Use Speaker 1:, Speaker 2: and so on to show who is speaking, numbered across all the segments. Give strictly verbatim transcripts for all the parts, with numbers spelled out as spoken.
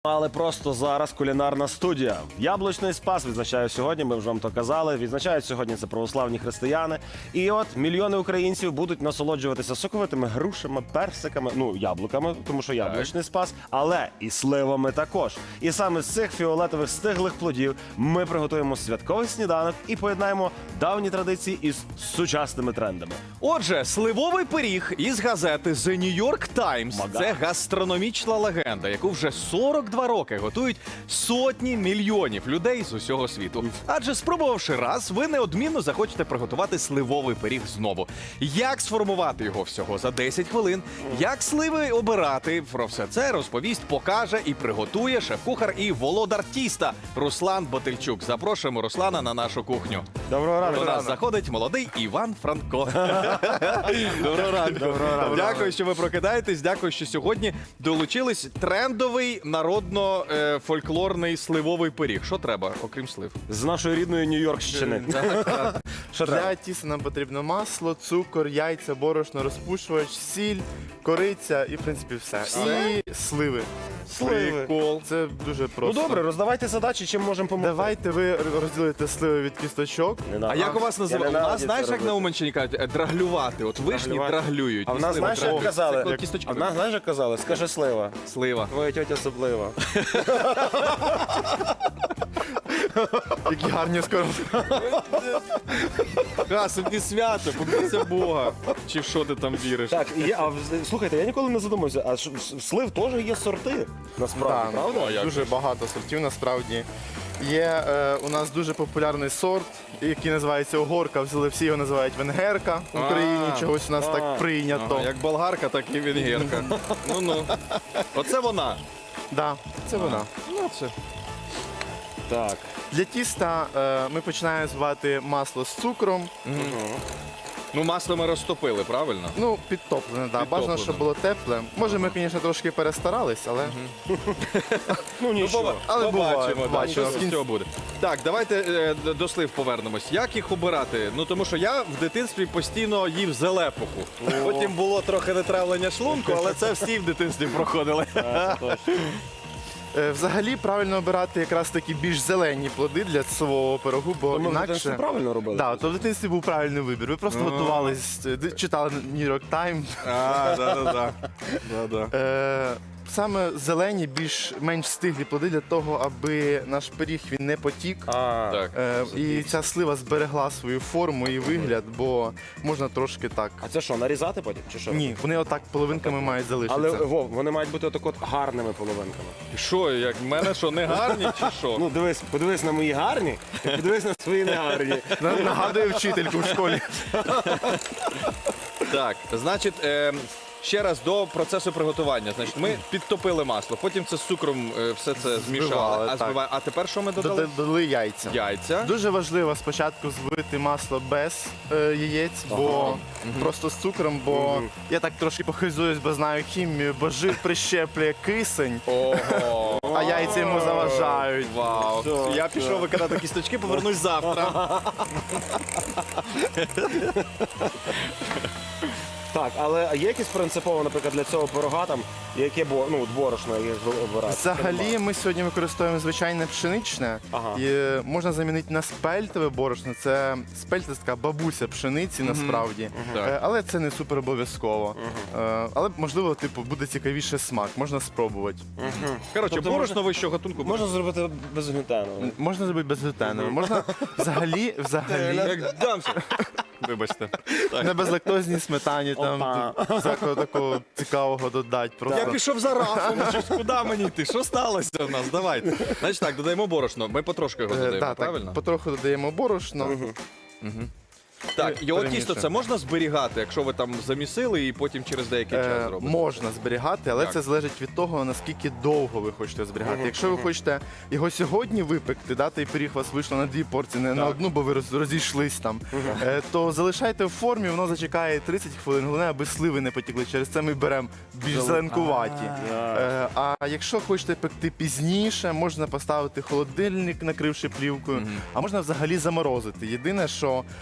Speaker 1: Але просто зараз кулінарна студія. Яблучний спас відзначає сьогодні, ми вже вам то казали. Відзначають сьогодні це православні християни. І от мільйони українців будуть насолоджуватися соковитими грушами, персиками, ну, яблуками, тому що яблучний спас, але і сливами також. І саме з цих фіолетових стиглих плодів ми приготуємо святковий сніданок і поєднаємо давні традиції із сучасними трендами.
Speaker 2: Отже, сливовий пиріг із газети The New York Times.
Speaker 1: Мага.
Speaker 2: Це гастрономічна легенда, яку вже сорок два роки готують сотні мільйонів людей з усього світу. Адже спробувавши раз, ви неодмінно захочете приготувати сливовий пиріг знову. Як сформувати його всього за десять хвилин, як сливи обирати, про все це розповість, покаже і приготує шеф-кухар і володар тіста Руслан Ботильчук. Запрошуємо Руслана на нашу кухню.
Speaker 1: Доброго ранку.
Speaker 2: До нас заходить молодий Іван Франко. Доброго ранку.
Speaker 1: Доброго ранку.
Speaker 2: Дякую, що ви прокидаєтесь. Дякую, що сьогодні долучились. Трендовий народно-фольклорний сливовий пиріг. Що треба, окрім слив?
Speaker 1: З нашої рідної Нью-Йоркщини. Що треба?
Speaker 3: Для тіста нам потрібно масло, цукор, яйця, борошно, розпушувач, сіль, кориця і, в принципі, все.
Speaker 2: Все?
Speaker 3: І сливи.
Speaker 1: Сливи.
Speaker 2: Прикол.
Speaker 3: Це дуже
Speaker 1: Ну
Speaker 3: просто.
Speaker 1: добре, роздавайте задачі, чим можемо допомогти.
Speaker 3: Давайте ви розділите сливи від кісточок.
Speaker 2: А як у вас називають? У
Speaker 1: ненавиджу
Speaker 2: нас, знаєш,
Speaker 1: це
Speaker 2: як на
Speaker 1: робити.
Speaker 2: Уманщині кажуть, е, драглювати. От вишні
Speaker 1: Драглювати.
Speaker 2: драглюють.
Speaker 1: А в
Speaker 2: і
Speaker 1: нас,
Speaker 2: сливи
Speaker 1: знаєш, як
Speaker 2: драглюють.
Speaker 1: казали?
Speaker 2: Це
Speaker 1: Як-
Speaker 2: кісточки.
Speaker 1: А в нас, знаєш, як казали? Скажи слива.
Speaker 2: Слива.
Speaker 1: Твоя тьотя особлива.
Speaker 3: Які гарні скоро.
Speaker 2: Ха, собі свято, побійся Бога. Чи в що ти там віриш?
Speaker 1: Так, і я, а, в- слухайте, я ніколи не задумався, а ж в слив теж є сорти, насправді,
Speaker 3: Так,
Speaker 1: правда?
Speaker 2: А як
Speaker 3: дуже
Speaker 2: же?
Speaker 3: багато сортів насправді. Є е, у нас дуже популярний сорт, який називається огорка. Взяли всі його називають венгерка в Україні.
Speaker 2: А,
Speaker 3: Чогось у нас
Speaker 1: а,
Speaker 3: так прийнято.
Speaker 2: Ага, як болгарка, так і венгерка. Ну-ну. Оце вона.
Speaker 3: Да, це вона.
Speaker 2: Ну, це.
Speaker 1: Так.
Speaker 3: Для тіста е, ми починаємо збивати масло з цукром.
Speaker 2: Ну, масло ми розтопили, правильно?
Speaker 3: Ну, підтоплене, да.
Speaker 2: Підтоплене.
Speaker 3: Бажано, щоб було тепле. Може, ми, звісно, трошки перестарались, але.
Speaker 1: Ну нічого.
Speaker 3: Але буває,
Speaker 2: побачимо, так,
Speaker 3: бачимо.
Speaker 2: що з цього буде. Так, давайте е, д- до слив повернемось. Як їх обирати? Ну, тому що я в дитинстві постійно їв зелепуху. Потім було трохи нетравлення шлунку, але це всі в дитинстві проходили.
Speaker 3: Е, Взагалі правильно обирати якраз такі більш зелені плоди для свого пирогу, бо
Speaker 1: Ми в
Speaker 3: інакше.
Speaker 1: дитинстві правильно робили?
Speaker 3: Да, то в дитинстві був правильний вибір. Ви просто готувались, е, ди- читали New York Times.
Speaker 2: А, да-да-да. Да-да.
Speaker 3: Е, Саме зелені, більш менш стиглі плоди для того, аби наш пиріг він не потік.
Speaker 1: А,
Speaker 2: Так.
Speaker 3: Е, і ця слива зберегла свою форму і вигляд, бо можна трошки так.
Speaker 1: а це що, нарізати потім? Чи що?
Speaker 3: Ні, вони отак половинками мають залишитися.
Speaker 1: Але, Вов, вони мають бути отак от гарними половинками.
Speaker 2: Що, як в мене що, не гарні чи що?
Speaker 1: Ну, дивись, подивись на мої гарні, і подивись на свої негарні.
Speaker 3: На- Нагадує вчительку в школі.
Speaker 2: Так, значить, е, ще раз до процесу приготування. Значить, ми підтопили масло, потім це з цукром е, все це змішали.
Speaker 3: Збивали,
Speaker 2: А,
Speaker 3: так.
Speaker 2: збиває- а тепер що ми додали?
Speaker 3: Додали яйця.
Speaker 2: Яйця.
Speaker 3: Дуже важливо спочатку збити масло без е, яєць, бо просто з цукром, бо я так трошки похизуюсь, бо знаю хімію, бо жир прищеплює кисень,
Speaker 2: Ого.
Speaker 3: а яйця йому заважають.
Speaker 2: Вау.
Speaker 1: Так,
Speaker 2: Я пішов викидати кісточки, повернусь завтра.
Speaker 1: Так, але є якісь принципово, наприклад, для цього пирога там, яке бо, ну, борошно, яке обирати?
Speaker 3: Взагалі ми сьогодні використовуємо звичайне пшеничне.
Speaker 1: Ага.
Speaker 3: І е, можна замінити на спельтове борошно. Це спельта це така бабуся пшениці насправді.
Speaker 2: Так.
Speaker 3: Е, Але це не супер обов'язково. Е, Але можливо, типу, буде цікавіше смак, можна спробувати.
Speaker 2: Коротше,
Speaker 1: Тобто
Speaker 2: борошно вищого гатунку.
Speaker 1: Можна зробити без глютену.
Speaker 3: Можна зробити безглютенове. Можна взагалі, взагалі
Speaker 2: Як дамся. Вибачте.
Speaker 3: на безлактозній сметані там
Speaker 1: Опа.
Speaker 3: тут всякого такого цікавого додати.
Speaker 2: Я
Speaker 3: Просто
Speaker 2: пішов за рафом, щось, куди мені йти? Що сталося в нас? Давайте. Значить так, додаємо борошно. Ми потрошки його
Speaker 3: е,
Speaker 2: додаємо,
Speaker 3: да,
Speaker 2: правильно?
Speaker 3: так, потроху додаємо борошно.
Speaker 2: Так, його
Speaker 3: перемішуємо.
Speaker 2: тісто це можна зберігати, якщо ви там замісили і потім через деякий час
Speaker 3: Е,
Speaker 2: зробите?
Speaker 3: можна зберігати, але
Speaker 2: Так.
Speaker 3: це залежить від того, наскільки довго ви хочете зберігати. Якщо ви хочете його сьогодні випекти, да, той пиріг у вас вийшло на дві порції, не на одну, бо ви роз- розійшлись там, е, то залишайте в формі, воно зачекає тридцять хвилин. Головне, аби сливи не потікли. Через це ми беремо більш зеленкуваті. Е, а якщо хочете пекти пізніше, можна поставити холодильник, накривши плівкою, а можна взагалі заморозити. Єдине, що е,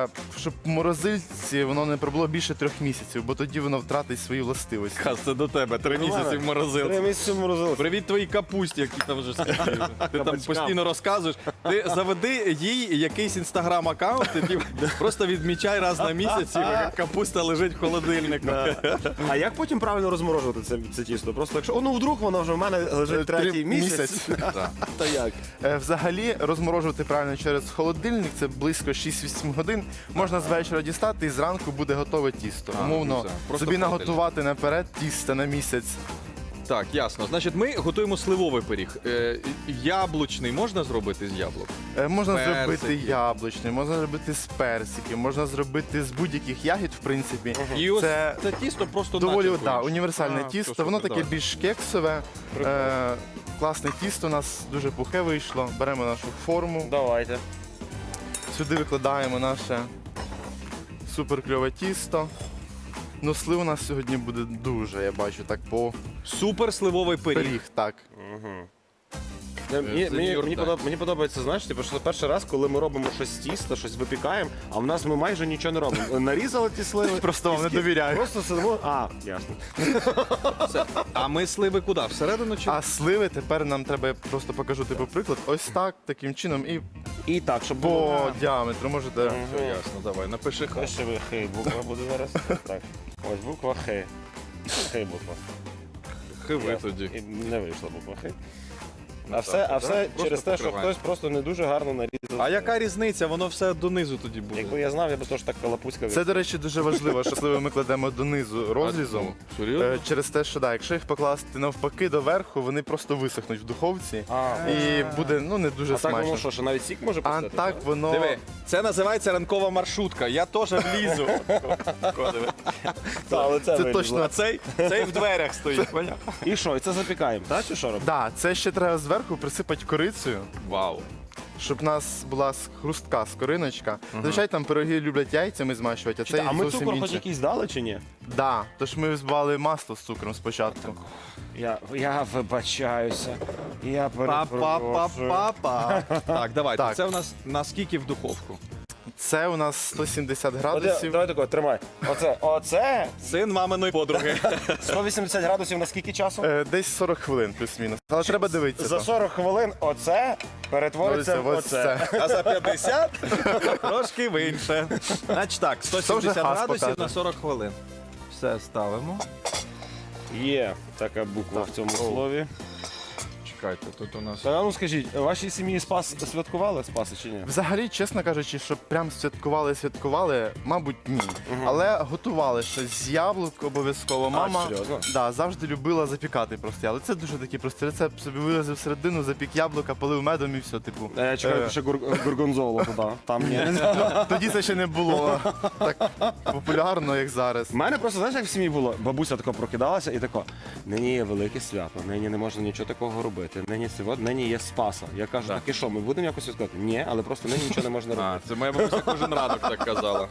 Speaker 3: треба, щоб в морозильці воно не пробуло більше трьох місяців, бо тоді воно втратить свої властивості.
Speaker 2: Хас, це до тебе. Три місяці в
Speaker 1: Три
Speaker 2: морозилці.
Speaker 1: місяці в морозилці.
Speaker 2: Привіт твоїй капусті, які там вже скільки. Ти там
Speaker 1: Кабачкам.
Speaker 2: постійно розказуєш. Ти заведи їй якийсь інстаграм-аккаунт, і просто відмічай раз на місяць, як капуста лежить в холодильнику.
Speaker 1: А як потім правильно розморожувати це, це тісто? Просто якщо, о, ну вдруг воно вже в мене лежить
Speaker 3: Три
Speaker 1: третій місяць.
Speaker 2: Так.
Speaker 1: То як?
Speaker 3: Е, Взагалі розморожувати правильно через холодильник це близько шість-вісім годин. Можна з вечора дістати і зранку буде готове тісто.
Speaker 2: А,
Speaker 3: Умовно,
Speaker 2: ну все. Просто
Speaker 3: собі
Speaker 2: в холодильник.
Speaker 3: наготувати наперед тісто на місяць.
Speaker 2: Так, ясно. Значить, ми готуємо сливовий пиріг. Е, яблучний можна зробити з яблук?
Speaker 3: Е, Можна
Speaker 2: Персики.
Speaker 3: зробити яблучний, можна зробити з персиків, можна зробити з будь-яких ягід, в принципі.
Speaker 2: І ось
Speaker 3: Це
Speaker 2: це тісто просто
Speaker 3: доволі
Speaker 2: начинкою.
Speaker 3: да, універсальне
Speaker 2: А,
Speaker 3: тісто,
Speaker 2: все,
Speaker 3: воно
Speaker 2: супер,
Speaker 3: таке
Speaker 2: давай.
Speaker 3: більш кексове. Е, класне тісто у нас дуже пухе вийшло. Беремо нашу форму,
Speaker 1: Давайте.
Speaker 3: сюди викладаємо наше супер кльове тісто. Ну, слив у нас сьогодні буде дуже, я бачу, так по
Speaker 2: Супер сливовий пиріг.
Speaker 3: пиріг, так.
Speaker 1: Е, Мені,
Speaker 2: Це
Speaker 1: мені,
Speaker 2: New York
Speaker 1: мені,
Speaker 2: Times.
Speaker 1: подоб- мені подобається, знаєш, типу, що перший раз, коли ми робимо щось з тіста, щось випікаємо, а в нас ми майже нічого не робимо. Нарізали ті сливи.
Speaker 3: Просто вам не
Speaker 1: тіски,
Speaker 3: довіряю.
Speaker 1: Просто сидимо. А, ясно.
Speaker 2: Все. А ми сливи куди? Всередину чи?
Speaker 3: А сливи тепер нам треба, я просто покажу типу приклад. Ось так, таким чином, і
Speaker 1: І так, щоб
Speaker 3: по
Speaker 1: було.
Speaker 3: діаметру можете.
Speaker 2: Все ясно, давай, напиши хай.
Speaker 1: Ось ви хей, буква буде зараз. Так. Ось буква хей. Хей буква.
Speaker 2: Хиви
Speaker 1: Ясно.
Speaker 2: тоді.
Speaker 1: І не вийшла буква хей. А
Speaker 2: Ну,
Speaker 1: все,
Speaker 2: так,
Speaker 1: а
Speaker 2: так.
Speaker 1: все
Speaker 2: Просто
Speaker 1: через те, що
Speaker 2: покриваємо.
Speaker 1: хтось просто не дуже гарно нарізав.
Speaker 2: А яка різниця? Воно все донизу тоді буде.
Speaker 1: Якби я знав, я б теж так калапуськав.
Speaker 3: Це, до речі, дуже важливо, що сливи ми кладемо донизу розрізом.
Speaker 2: А, ну, серйозно?
Speaker 3: Е, Через те, що да, якщо їх покласти навпаки доверху, вони просто висохнуть в духовці
Speaker 1: А,
Speaker 3: і буде ну не дуже
Speaker 1: а так воно
Speaker 3: смачно.
Speaker 1: що, що навіть сік може
Speaker 3: А
Speaker 1: пустити?
Speaker 3: так воно
Speaker 2: Диви, це називається ранкова маршрутка. Я теж влізу.
Speaker 1: Та, але це,
Speaker 3: це
Speaker 1: вилізло.
Speaker 3: точно.
Speaker 2: А цей, цей в дверях стоїть. поняв?
Speaker 1: І що, і це запікаємо, так чи що робимо?
Speaker 3: Да, це ще треба зверху присипати корицею,
Speaker 2: Вау.
Speaker 3: щоб у нас була с- хрустка скориночка. Зазвичай там пироги люблять яйцями змащувати, а це
Speaker 1: А ми
Speaker 3: зовсім
Speaker 1: цукор хоч
Speaker 3: інше.
Speaker 1: якийсь дали чи ні?
Speaker 3: Да, тож ми збивали масло з цукром спочатку.
Speaker 1: Я, я вибачаюся. Я перепрошую.
Speaker 2: Па-па-па-па-па. Так, давайте.
Speaker 3: Так.
Speaker 2: Це у нас наскільки в духовку?
Speaker 3: Це у нас сто сімдесят
Speaker 1: Оде,
Speaker 3: градусів.
Speaker 1: давай тако, тримай. Оце, оце
Speaker 2: Син маминої подруги.
Speaker 1: сто вісімдесят градусів на скільки часу?
Speaker 3: Е, Десь сорок хвилин плюс-мінус. Але треба дивитися.
Speaker 1: За
Speaker 3: то.
Speaker 1: сорок хвилин оце перетвориться в
Speaker 3: Ось
Speaker 1: оце.
Speaker 3: це.
Speaker 2: А за п'ятдесят трошки в інше. Значить так, сто сімдесят
Speaker 3: хас
Speaker 2: градусів
Speaker 3: покаже.
Speaker 2: на сорок хвилин. Все ставимо.
Speaker 1: Є така буква в цьому слові.
Speaker 2: Чекайте, тут у нас.
Speaker 1: Та ну скажіть, вашій сім'ї спас святкували спаси чи ні?
Speaker 3: Взагалі, чесно кажучи, щоб прям святкували, святкували, мабуть, ні. Але готували щось з яблук обов'язково. Мама
Speaker 1: серйозно?
Speaker 3: да, завжди любила запікати просто яблук. Це дуже такий простий рецепт. Собі вирізав середину, запік яблука, полив медом і все, типу.
Speaker 1: Я чекаю,
Speaker 3: Е,
Speaker 1: ще гур- гургонзолу туди. Там ні.
Speaker 3: Тоді це ще не було так популярно, як зараз.
Speaker 1: У мене просто, знаєш, як в сім'ї було? Бабуся тако прокидалася і тако, нині є велике свято, нині не можна нічого такого робити. Нині сьогодні, нині є Спаса. Я кажу, так і що, ми будемо якось святкувати? Ні, але просто нині нічого не можна
Speaker 2: А,
Speaker 1: робити.
Speaker 2: це моя бабуся кожен ранок так казала.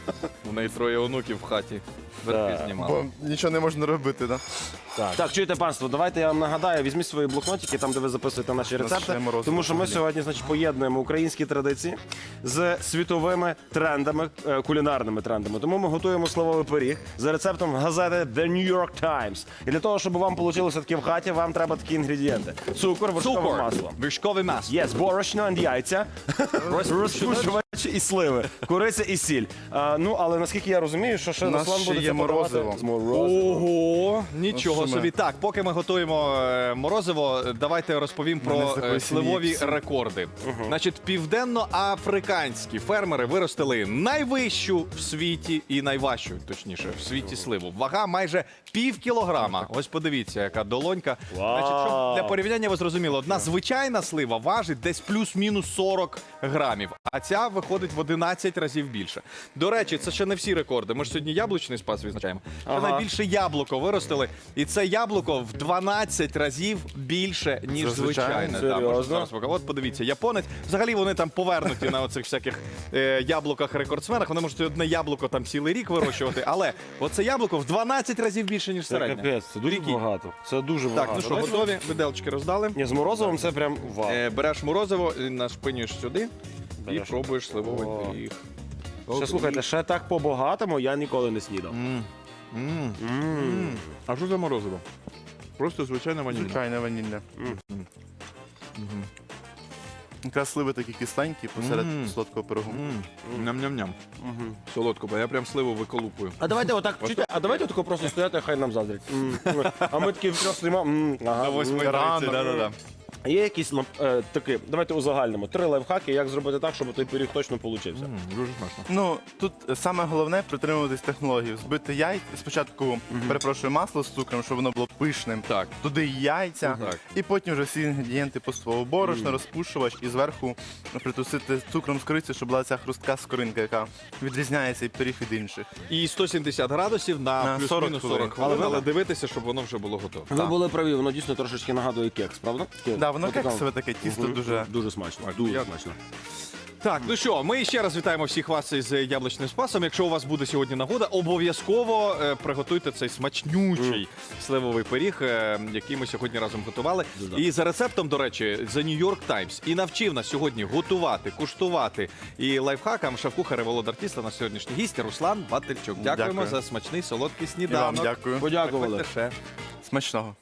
Speaker 2: У неї троє онуків в хаті. Верхи
Speaker 1: Так.
Speaker 2: знімали.
Speaker 3: Бо нічого не можна робити, да?
Speaker 1: Так. так, чуєте, панство, давайте я вам нагадаю, візьміть свої блокнотики, там, де ви записуєте наші
Speaker 3: нас ще
Speaker 1: рецепти.
Speaker 3: морозиво
Speaker 1: Тому що ми
Speaker 3: взагалі.
Speaker 1: сьогодні, значить, поєднуємо українські традиції з світовими трендами, е, кулінарними трендами. Тому ми готуємо сливовий пиріг за рецептом газети The New York Times. І для того, щоб вам вийшло таке в хаті, вам треба такі інгредієнти: цукор, вершкове
Speaker 2: Цукор,
Speaker 1: масло.
Speaker 2: вершкове масло.
Speaker 1: Є борошно і яйця, розпушувач і сливи, куриця і сіль. А, ну, але наскільки я розумію, що ще
Speaker 3: У нас
Speaker 1: Руслан
Speaker 3: ще
Speaker 1: буде
Speaker 3: є
Speaker 1: це подавати
Speaker 3: морозиво.
Speaker 1: з морозивом.
Speaker 2: Ого, нічого
Speaker 3: Ну, що
Speaker 2: собі.
Speaker 3: ми?
Speaker 2: Так, поки ми готуємо е, морозиво, давайте розповім
Speaker 3: Мене
Speaker 2: про
Speaker 3: з такої
Speaker 2: е, сливові
Speaker 3: сім'ї всі.
Speaker 2: рекорди. Значить, південноафриканські фермери виростили найвищу в світі і найважчу, точніше, в світі сливу. Вага майже пів кілограма. Ось подивіться, яка долонька. Значить, щоб для порівняння ви зрозуміли, одна звичайна слива важить десь плюс-мінус сорок грамів, а ця виходить в одинадцять разів більше. До речі, це ще не всі рекорди. Ми ж сьогодні яблучний спас відзначаємо. Це
Speaker 1: Ага.
Speaker 2: найбільше яблуко виростили, і це яблуко в дванадцять разів більше, ніж
Speaker 3: Це звичайно?
Speaker 2: звичайне. Да, можу
Speaker 1: Серйозно?
Speaker 2: зараз покажу. От подивіться, японець. Взагалі вони там повернуті на оцих всяких е, яблуках-рекордсменах. Вони можуть одне яблуко там цілий рік вирощувати, але оце яблуко в дванадцять разів більше, ніж
Speaker 1: Це
Speaker 2: середнє.
Speaker 1: капець, це дуже
Speaker 2: Прикинь.
Speaker 1: багато. Це дуже
Speaker 2: Так,
Speaker 1: багато.
Speaker 2: ну що,
Speaker 1: Давайте-
Speaker 2: готові? Виделочки роздали.
Speaker 1: Ні, з морозивом це прям вау.
Speaker 2: Е, береш морозиво, і нашпинюєш сюди і
Speaker 1: Береш.
Speaker 2: пробуєш сливовий
Speaker 1: О.
Speaker 2: пиріг.
Speaker 1: Ще слухайте, ще так по-багатому я ніколи не снідав.
Speaker 2: М. М.
Speaker 1: М.
Speaker 2: А що за морозиво? Просто звичайне ванільне.
Speaker 3: Звичайне ванільне. Якраз сливи такі кисленькі посеред
Speaker 2: Мм.
Speaker 3: солодкого пирогу.
Speaker 2: М. Ням-ням-ням.
Speaker 1: Мгм.
Speaker 2: Солодко, бо я прям сливу виколупую.
Speaker 1: А давайте отак, чуйте, а давайте тако просто стояти, хай нам заздрять. М. А ми такі втрьох стоїмо. м, ага, м.
Speaker 3: рано.
Speaker 2: да-да-да.
Speaker 1: Є якісь ну, е, такі, давайте узагальнимо, три лайфхаки, як зробити так, щоб той пиріг точно получився.
Speaker 2: М, Дуже смачно.
Speaker 3: Ну, тут саме головне притримуватись технології. Збити яйця, спочатку, перепрошую, масло з цукром, щоб воно було пишним.
Speaker 2: Так.
Speaker 3: Туди яйця,
Speaker 2: Так.
Speaker 3: і потім вже всі інгредієнти поступово. Борошно, розпушувач і зверху притусити цукром з кориці, щоб була ця хрустка скоринка, яка відрізняє цей пиріг від інших.
Speaker 2: І сто сімдесят градусів на,
Speaker 3: На
Speaker 2: плюс-мінус
Speaker 3: сорок
Speaker 2: сорок
Speaker 3: хвилин.
Speaker 2: хвилин,
Speaker 1: Але
Speaker 2: але
Speaker 1: ви-
Speaker 2: дивитися, щоб воно вже було готове.
Speaker 1: Ви були праві, воно дійсно трошечки нагадує кекс, правда?
Speaker 3: Да, воно
Speaker 1: Отака-
Speaker 3: кексове таке, тісто
Speaker 1: Мгм.
Speaker 3: дуже.
Speaker 1: Дуже смачно.
Speaker 2: Так,
Speaker 1: Дуже
Speaker 2: я-
Speaker 1: смачно.
Speaker 2: Так, ну що, ми ще раз вітаємо всіх вас із яблучним спасом. Якщо у вас буде сьогодні нагода, обов'язково е, приготуйте цей смачнючий сливовий пиріг, е, який ми сьогодні разом готували.
Speaker 1: Дуже.
Speaker 2: І за рецептом, до речі, The New York Times і навчив нас сьогодні готувати, куштувати і лайфхакам шеф-кухар і володар тіста на сьогоднішній гість Руслан Батильчук. Дякуємо
Speaker 3: Дякую.
Speaker 2: за смачний солодкий
Speaker 3: І вам
Speaker 2: сніданок.
Speaker 3: дякую.
Speaker 1: Подякували.
Speaker 2: Приходьте ще.
Speaker 3: Смачного.